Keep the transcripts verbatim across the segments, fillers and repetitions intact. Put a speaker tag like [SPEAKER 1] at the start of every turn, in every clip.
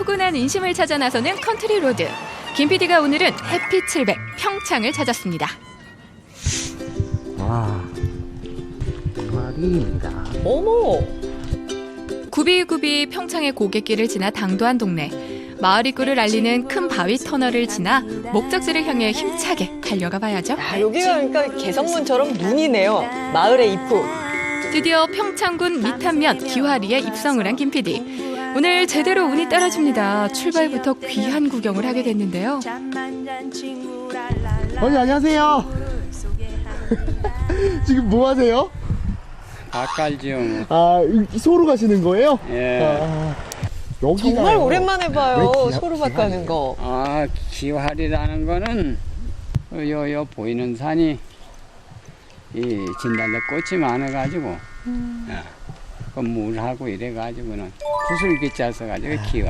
[SPEAKER 1] 포근한 인심을 찾아 나서는 컨트리 로드. 김 피디가 오늘은 햇빛 칠백 평창을 찾았습니다.
[SPEAKER 2] 와, 마리입니다.
[SPEAKER 3] 어머!
[SPEAKER 1] 구비구비 평창의 고갯길을 지나 당도한 동네. 마을 입구를 알리는 큰 바위 터널을 지나 목적지를 향해 힘차게 달려가 봐야죠.
[SPEAKER 3] 아, 여기가 그러니까 개성문처럼 눈이네요. 마을의 입구.
[SPEAKER 1] 드디어 평창군 미탄면 기화리에 입성을 한 김 피디. 오늘 제대로 운이 따라줍니다. 출발부터 귀한 구경을 하게 됐는데요.
[SPEAKER 2] 어머니 안녕하세요. 지금 뭐 하세요?
[SPEAKER 4] 닭갈지요. 뭐.
[SPEAKER 2] 아, 이- 소로 가시는 거예요?
[SPEAKER 4] 예.
[SPEAKER 2] 아, 여기가요.
[SPEAKER 3] 정말 오랜만에 봐요.
[SPEAKER 2] 왜 기하-
[SPEAKER 3] 소로밭 가는 거.
[SPEAKER 4] 아, 기활이라는 거는 요, 요 보이는 산이 이 진달래 꽃이 많아가지고,
[SPEAKER 3] 음.
[SPEAKER 4] 예. 그 물하고 이래가지고는 구슬기 짜서가지고 기활.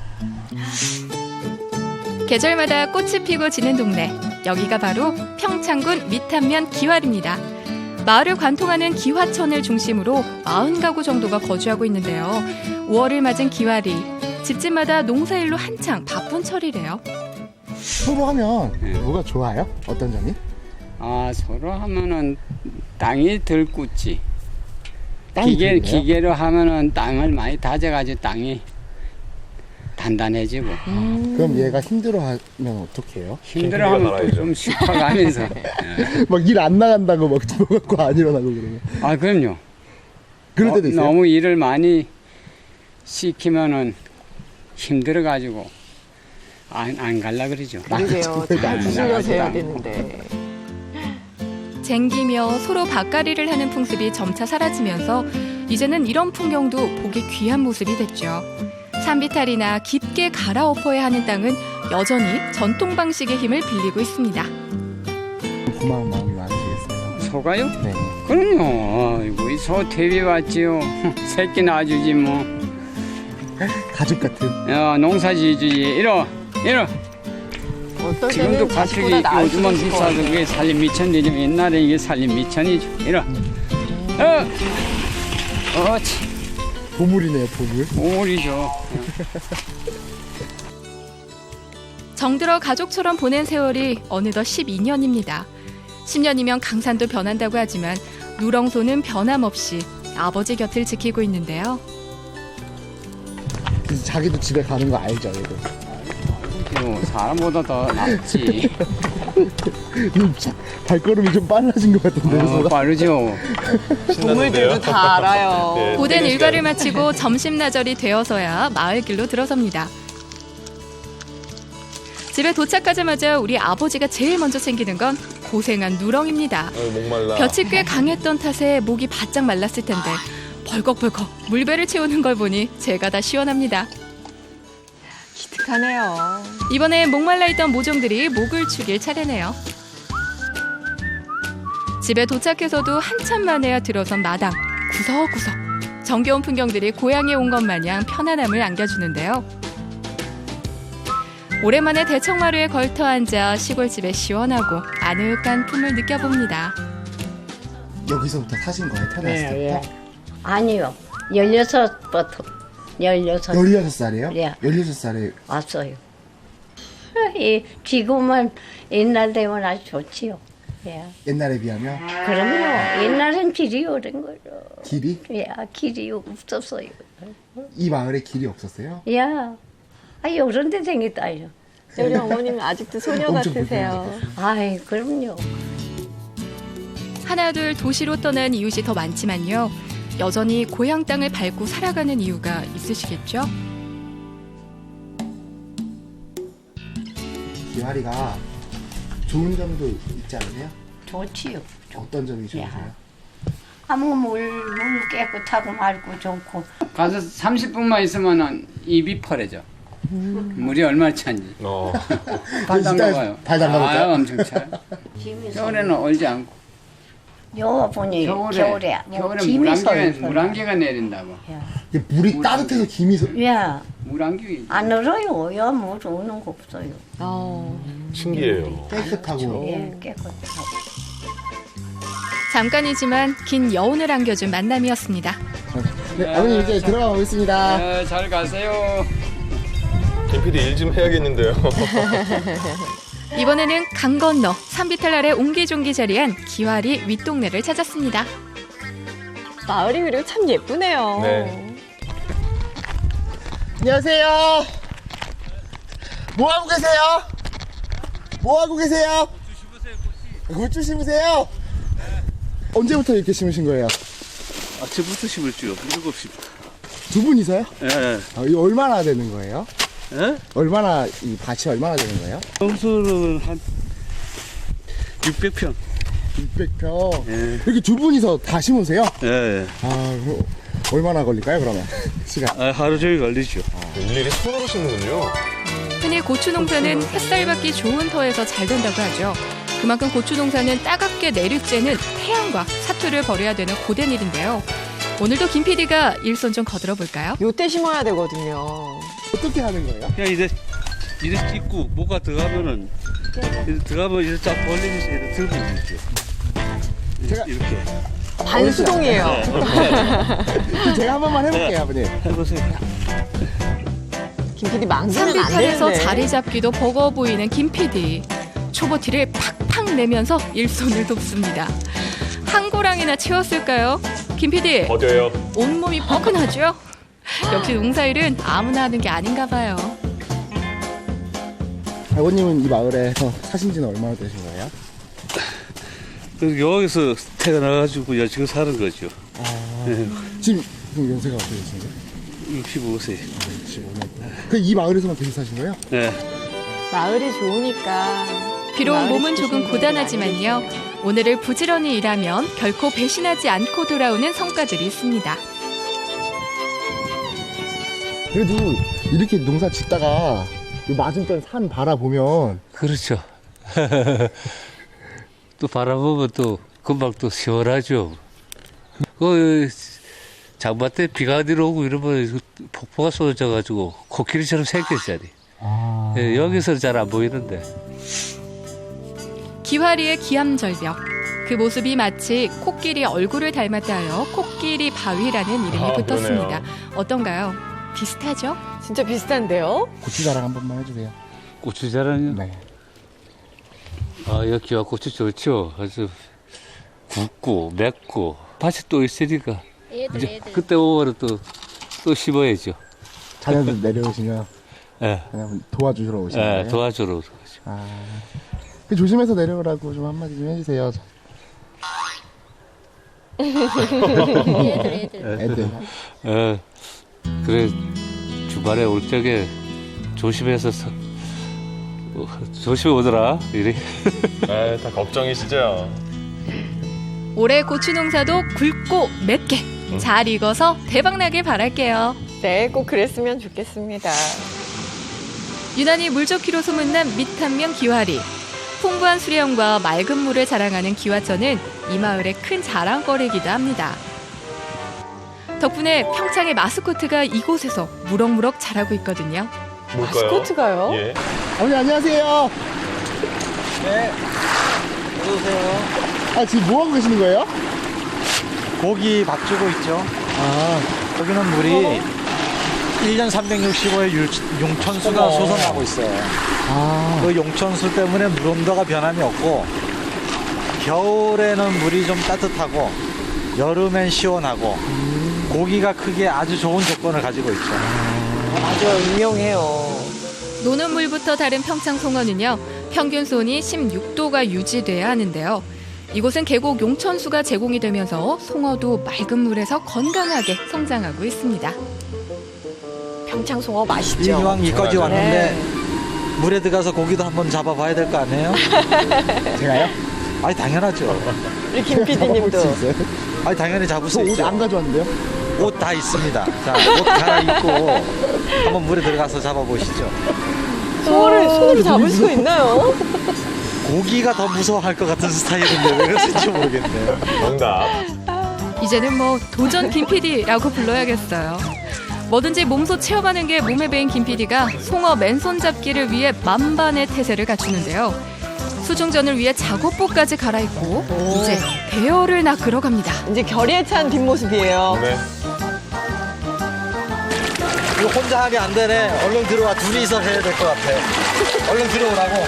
[SPEAKER 1] 계절마다 꽃이 피고 지는 동네. 여기가 바로 평창군 미탄면 기활입니다. 마을을 관통하는 기화천을 중심으로 사십 가구 정도가 거주하고 있는데요. 오월을 맞은 기활이 집집마다 농사일로 한창 바쁜 철이래요.
[SPEAKER 2] 소로 하면
[SPEAKER 4] 예.
[SPEAKER 2] 뭐가 좋아요? 어떤 점이?
[SPEAKER 4] 아, 서로 하면은 땅이 덜 굳지.
[SPEAKER 2] 땅이
[SPEAKER 4] 기계,
[SPEAKER 2] 좋네요?
[SPEAKER 4] 기계로 하면은 땅을 많이 다져가지고 땅이 단단해지고.
[SPEAKER 2] 그럼 얘가 힘들어하면 어떻게 해요?
[SPEAKER 4] 힘들어하면 또 좀 식어가면서. 예.
[SPEAKER 2] 막 일 안 나간다고 막 들어갖고 안 일어나고 그러면.
[SPEAKER 4] 아, 그럼요.
[SPEAKER 2] 그럴 때도
[SPEAKER 4] 어,
[SPEAKER 2] 있어요?
[SPEAKER 4] 너무 일을 많이 시키면은 힘들어가지고 안, 안 갈라 그러죠.
[SPEAKER 3] 그러게요. 잘
[SPEAKER 4] 아,
[SPEAKER 3] 주실려서 해야
[SPEAKER 4] 나가지도
[SPEAKER 3] 되는데.
[SPEAKER 1] 쟁기며 서로 밭갈이를 하는 풍습이 점차 사라지면서 이제는 이런 풍경도 보기 귀한 모습이 됐죠. 산비탈이나 깊게 갈아엎어야 하는 땅은 여전히 전통 방식의 힘을 빌리고 있습니다.
[SPEAKER 2] 고마운 마음이 많으시겠어요.
[SPEAKER 4] 소가요?
[SPEAKER 2] 네.
[SPEAKER 4] 그럼요. 아이고, 이 소 퇴비 왔지요. 새끼 낳아주지 뭐.
[SPEAKER 2] 가족 같은.
[SPEAKER 4] 야, 농사 지지. 이러, 이러.
[SPEAKER 3] 어떨
[SPEAKER 4] 지금도
[SPEAKER 3] 때는
[SPEAKER 4] 가축이
[SPEAKER 3] 자식보다 나을 수도
[SPEAKER 4] 요즘은
[SPEAKER 3] 있을 것
[SPEAKER 4] 비싸서
[SPEAKER 3] 같아요.
[SPEAKER 4] 그게 살림 미천이지만 옛날에 이게 살림 미천이죠. 이러. 어, 어치.
[SPEAKER 2] 보물이네요, 보물.
[SPEAKER 4] 오리죠.
[SPEAKER 1] 정들어 가족처럼 보낸 세월이 어느덧 십이 년입니다. 십 년이면 강산도 변한다고 하지만 누렁소는 변함없이 아버지 곁을 지키고 있는데요.
[SPEAKER 2] 그래서 자기도 집에 가는 거 알죠, 얘도.
[SPEAKER 4] 요 사람보다 더 낫지.
[SPEAKER 2] 발걸음이 좀 빨라진 것 같은데.
[SPEAKER 4] 어,
[SPEAKER 2] 소가.
[SPEAKER 4] 빠르죠.
[SPEAKER 3] 동물들도 다 알아요.
[SPEAKER 1] 고된 일과를 마치고 점심나절이 되어서야 마을 길로 들어섭니다. 집에 도착하자마자 우리 아버지가 제일 먼저 챙기는 건 고생한 누렁입니다.
[SPEAKER 5] 목말라.
[SPEAKER 1] 볕이 꽤 강했던 탓에 목이 바짝 말랐을 텐데 벌컥벌컥 물배를 채우는 걸 보니 제가 다 시원합니다.
[SPEAKER 3] 기특하네요.
[SPEAKER 1] 이번에 목말라 있던 모종들이 목을 축일 차례네요. 집에 도착해서도 한참 만에야 들어선 마당. 구석구석 정겨운 풍경들이 고향에 온 것 마냥 편안함을 안겨주는데요. 오랜만에 대청마루에 걸터 앉아 시골집의 시원하고 아늑한 품을 느껴봅니다.
[SPEAKER 2] 여기서부터 사신 거예요, 태어났을
[SPEAKER 6] 예,
[SPEAKER 2] 때부터?
[SPEAKER 6] 예. 아니요. 열여섯부터 열여섯
[SPEAKER 2] 열여섯 살이에요?
[SPEAKER 6] 예.
[SPEAKER 2] 열여섯 살에
[SPEAKER 6] 왔어요. 이 지금은 옛날 되면 아주 좋지요. 예.
[SPEAKER 2] 옛날에 비하면
[SPEAKER 6] 그럼요. 옛날엔 길이 오른 거죠.
[SPEAKER 2] 길이?
[SPEAKER 6] 예, 길이 없었어요.
[SPEAKER 2] 이 마을에 길이 없었어요?
[SPEAKER 6] 예. 아, 요런 데 생겼다요.
[SPEAKER 3] 우리 어머님 아직도 소녀
[SPEAKER 2] 엄청
[SPEAKER 3] 같으세요.
[SPEAKER 6] 아이, 그럼요.
[SPEAKER 1] 하나둘 도시로 떠난 이웃이 더 많지만요. 여전히 고향 땅을 밟고 살아가는 이유가 있으시겠죠?
[SPEAKER 2] 기와리가 좋은 점도 있지 않으세요?
[SPEAKER 6] 좋지요.
[SPEAKER 2] 어떤 점이 좋으세요?
[SPEAKER 6] 아무 물, 물 깨끗하고 맑고 좋고.
[SPEAKER 4] 가서 삼십 분만 있으면은 입이 펄해져. 물이 얼마나 찬지.
[SPEAKER 5] 어.
[SPEAKER 4] 발
[SPEAKER 2] 진짜
[SPEAKER 4] 담가봐요.
[SPEAKER 2] 발 담가볼까요?
[SPEAKER 4] 아, 엄청 차. 겨울에는 얼지 않고.
[SPEAKER 6] 요 보니
[SPEAKER 4] 겨울에,
[SPEAKER 6] 겨울에 뭐
[SPEAKER 4] 겨울에
[SPEAKER 6] 김이
[SPEAKER 4] 물안개가,
[SPEAKER 6] 서요.
[SPEAKER 4] 물안개가 내린다고.
[SPEAKER 2] 이게 물이
[SPEAKER 4] 물
[SPEAKER 2] 따뜻해서 김이 서...
[SPEAKER 6] 예.
[SPEAKER 4] 물안개.
[SPEAKER 6] 안 얼어요. 야, 물 오는 거 없어요.
[SPEAKER 3] 어.
[SPEAKER 5] 신기해요.
[SPEAKER 2] 깨끗하고
[SPEAKER 6] 예, 깨끗하고.
[SPEAKER 1] 잠깐이지만 긴 여운을 안겨준 만남이었습니다.
[SPEAKER 2] 네, 아버님 이제 들어가 보겠습니다.
[SPEAKER 4] 네, 잘 가세요.
[SPEAKER 5] 김피디 일 좀 해야겠는데요.
[SPEAKER 1] 이번에는 강 건너 산비탈 아래 옹기종기 자리한 기와리 윗동네를 찾았습니다.
[SPEAKER 3] 마을이 그리고 참 예쁘네요.
[SPEAKER 5] 네.
[SPEAKER 2] 안녕하세요. 뭐 하고 계세요? 뭐 하고 계세요? 고추 심으세요? 언제부터 이렇게 심으신 거예요?
[SPEAKER 7] 아침부터 심을지요. 일곱 시부터.
[SPEAKER 2] 두 분이서요?
[SPEAKER 7] 예, 예.
[SPEAKER 2] 아, 이거 얼마나 되는 거예요?
[SPEAKER 7] 예?
[SPEAKER 2] 얼마나 이 밭이 얼마나 되는 거예요?
[SPEAKER 7] 평수는 한 육백 평.
[SPEAKER 2] 육백 평.
[SPEAKER 7] 예.
[SPEAKER 2] 이렇게 두 분이서 다 심으세요?
[SPEAKER 7] 예, 예.
[SPEAKER 2] 아, 그럼 얼마나 걸릴까요, 그러면? 시간.
[SPEAKER 7] 아, 하루 종일 걸리죠.
[SPEAKER 5] 일일이 손으로 심는군요.
[SPEAKER 1] 흔히 고추 농사는 햇살 받기 좋은 터에서 잘 된다고 하죠. 그만큼 고추 농사는 따갑게 내리쬐는 태양과 사투를 벌여야 되는 고된 일인데요. 오늘도 김 피디가 일손 좀 거들어 볼까요?
[SPEAKER 3] 요때 심어야 되거든요.
[SPEAKER 2] 어떻게 하는 거예요?
[SPEAKER 7] 그냥 이제 이래 찍고 뭐가 들어가면은 이래 들어가면 이래 쫙 벌리면서 이래 들고 있죠.
[SPEAKER 2] 제가-
[SPEAKER 7] 이렇게
[SPEAKER 3] 반수동이에요.
[SPEAKER 2] 제가 한 번만 해볼게요, 아버님.
[SPEAKER 7] 해보세요.
[SPEAKER 3] 김피디 망치는 안
[SPEAKER 1] 산비탈에서
[SPEAKER 3] 되는데.
[SPEAKER 1] 자리 잡기도 버거워 보이는 김 피디. 초보티를 팍팍 내면서 일손을 돕습니다. 한 고랑이나 채웠을까요? 김 피디,
[SPEAKER 5] 어디요?
[SPEAKER 1] 온몸이 뻐근하죠? 역시 농사일은 아무나 하는 게 아닌가 봐요.
[SPEAKER 2] 아버님은 이 마을에서 사신 지는 얼마나 되신 거예요?
[SPEAKER 7] 그래서 여기서 태어나가지고 여지껏 사는 거죠. 예,
[SPEAKER 2] 지금, 지금 연세가 어떻게 되신가요?
[SPEAKER 7] 육십오 세.
[SPEAKER 2] 그 이 마을에서만 계속 사신 거예요?
[SPEAKER 7] 예.
[SPEAKER 3] 마을이 좋으니까.
[SPEAKER 1] 비록
[SPEAKER 3] 마을에
[SPEAKER 1] 몸은
[SPEAKER 3] 계신
[SPEAKER 1] 조금
[SPEAKER 3] 분들이
[SPEAKER 1] 고단하지만요. 오늘을 부지런히 일하면 결코 배신하지 않고 돌아오는 성과들이 있습니다.
[SPEAKER 2] 그래도 이렇게 농사 짓다가 이 맞은편 산 바라보면
[SPEAKER 8] 그렇죠. 또 바라보면 또 금방 또 시원하죠. 그 장마 때 비가 내려오고 이러면 폭포가 쏟아져가지고 코끼리처럼 생겼잖아요.
[SPEAKER 2] 아...
[SPEAKER 8] 예, 여기서는 잘 안 보이는데.
[SPEAKER 1] 기화리의 기암절벽. 그 모습이 마치 코끼리 얼굴을 닮았다 하여 코끼리 바위라는 이름이
[SPEAKER 5] 아,
[SPEAKER 1] 붙었습니다.
[SPEAKER 5] 그러네요.
[SPEAKER 1] 어떤가요? 비슷하죠?
[SPEAKER 3] 진짜 비슷한데요?
[SPEAKER 2] 고추 자랑 한 번만 해주세요.
[SPEAKER 8] 고추 자랑요?
[SPEAKER 2] 네.
[SPEAKER 8] 아, 여기와 고추 좋죠. 아주 굵고 맵고 밭이 또 있으니까 이제 그때 오면 또 또 심어야죠.
[SPEAKER 2] 자녀들 내려오시면
[SPEAKER 8] 예,
[SPEAKER 2] 그냥 도와주시러 오시는
[SPEAKER 8] 예,
[SPEAKER 2] 거예요?
[SPEAKER 8] 도와주러.
[SPEAKER 2] 아... 그 조심해서 내려오라고 좀 한마디 좀 해주세요. 애들.
[SPEAKER 8] 예, 그래 주말에 올 적에 조심해서 서, 어, 조심히 오더라. 이래.
[SPEAKER 5] 아, 다 걱정이시죠?
[SPEAKER 1] 올해 고추 농사도 굵고 맵게 잘 익어서 대박나길 바랄게요.
[SPEAKER 3] 네, 꼭 그랬으면 좋겠습니다.
[SPEAKER 1] 유난히 물 좋기로 소문난 밑한면 기와리. 풍부한 수려함과 맑은 물을 자랑하는 기와천은 이 마을의 큰 자랑거리이기도 합니다. 덕분에 평창의 마스코트가 이곳에서 무럭무럭 자라고 있거든요.
[SPEAKER 5] 뭘까요?
[SPEAKER 3] 마스코트가요?
[SPEAKER 5] 예.
[SPEAKER 2] 아버님 안녕하세요.
[SPEAKER 9] 네. 어서오세요.
[SPEAKER 2] 아 지금 뭐 하고 계시는 거예요?
[SPEAKER 9] 고기 밥 주고 있죠.
[SPEAKER 2] 아,
[SPEAKER 9] 여기는 물이 일 년 삼백육십오 일 용천수가 솟아나고 있어요.
[SPEAKER 2] 아,
[SPEAKER 9] 그 용천수 때문에 물 온도가 변함이 없고 겨울에는 물이 좀 따뜻하고 여름엔 시원하고 고기가 크기에 아주 좋은 조건을 가지고 있죠.
[SPEAKER 3] 아주 유명해요.
[SPEAKER 1] 노는 물부터 다른 평창 송어는요. 평균 수온이 십육 도가 유지돼야 하는데요. 이곳은 계곡 용천수가 제공이 되면서 송어도 맑은 물에서 건강하게 성장하고 있습니다.
[SPEAKER 3] 평창송어 맛있죠?
[SPEAKER 9] 이왕 이까지
[SPEAKER 5] 맞아요.
[SPEAKER 9] 왔는데 물에 들어가서 고기도 한번 잡아봐야 될 거 아니에요?
[SPEAKER 2] 제가요?
[SPEAKER 9] 아니 당연하죠.
[SPEAKER 3] 우리 김 피디님도.
[SPEAKER 2] 수 있어요?
[SPEAKER 9] 아니 당연히 잡을 수
[SPEAKER 2] 저 옷
[SPEAKER 9] 있죠.
[SPEAKER 2] 안 가져왔는데요?
[SPEAKER 9] 옷 다 있습니다. 자, 옷 갈아입고 한번 물에 들어가서 잡아보시죠.
[SPEAKER 3] 송어를 손으로 잡을 수 있나요?
[SPEAKER 9] 고기가 더 무서워할 것 같은 스타일인데 왜 그러신지 모르겠네요.
[SPEAKER 5] 정답.
[SPEAKER 1] 이제는 뭐 도전 김피디라고 불러야겠어요. 뭐든지 몸소 체험하는 게 몸에 배인 김피디가 송어 맨손 잡기를 위해 만반의 태세를 갖추는데요. 수중전을 위해 작업복까지 갈아입고 이제 대어를 낚으러 갑니다.
[SPEAKER 3] 이제 결의에 찬 뒷모습이에요.
[SPEAKER 5] 네.
[SPEAKER 9] 이거 혼자 하기 안 되네. 얼른 들어와. 둘이서 해야 될 것 같아. 얼른 들어오라고.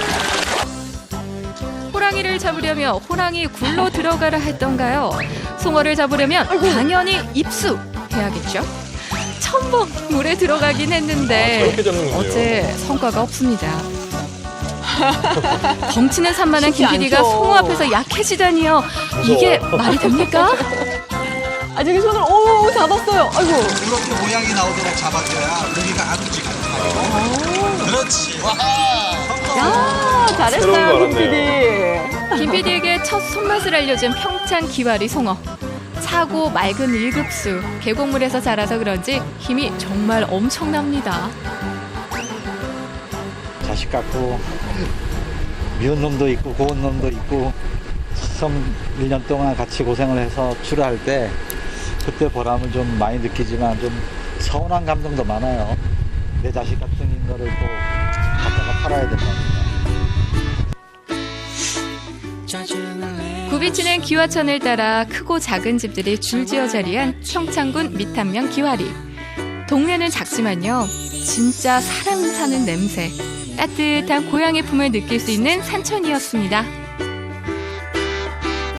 [SPEAKER 1] 호랑이를 잡으려며 호랑이 굴로 들어가라 했던가요? 송어를 잡으려면 당연히 입수해야겠죠? 첨벙 물에 들어가긴 했는데
[SPEAKER 5] 아, 저렇게 잡는군요.
[SPEAKER 1] 어째 성과가 없습니다. 덩치는 산만한
[SPEAKER 3] 쉽지
[SPEAKER 1] 김피디가
[SPEAKER 3] 않죠.
[SPEAKER 1] 송어 앞에서 약해지다니요. 이게 말이 됩니까?
[SPEAKER 3] 아, 저기 손을, 오, 잡았어요. 아이고.
[SPEAKER 9] 이렇게 모양이 나오도록 잡아줘야 고기가 아프지 않고. 그렇지. 와.
[SPEAKER 3] 야,
[SPEAKER 5] 새로운 거
[SPEAKER 3] 잘했어요,
[SPEAKER 5] 알았네요.
[SPEAKER 3] 김피디.
[SPEAKER 1] 김피디에게 첫 손맛을 알려준 평창 기와리 송어. 차고 맑은 일급수, 계곡물에서 자라서 그런지 힘이 정말 엄청납니다.
[SPEAKER 9] 자식 같고 미운 놈도 있고 고운 놈도 있고 참 일 년 동안 같이 고생을 해서 출하할 때 그때 보람을 좀 많이 느끼지만 좀 서운한 감정도 많아요. 내 자식 같은 거를 또 갖다가 팔아야 된다.
[SPEAKER 1] 굽이치는 기와천을 따라 크고 작은 집들이 줄지어 자리한 평창군 미탄면 기와리. 동네는 작지만요, 진짜 사람 사는 냄새, 따뜻한 고향의 품을 느낄 수 있는 산천이었습니다.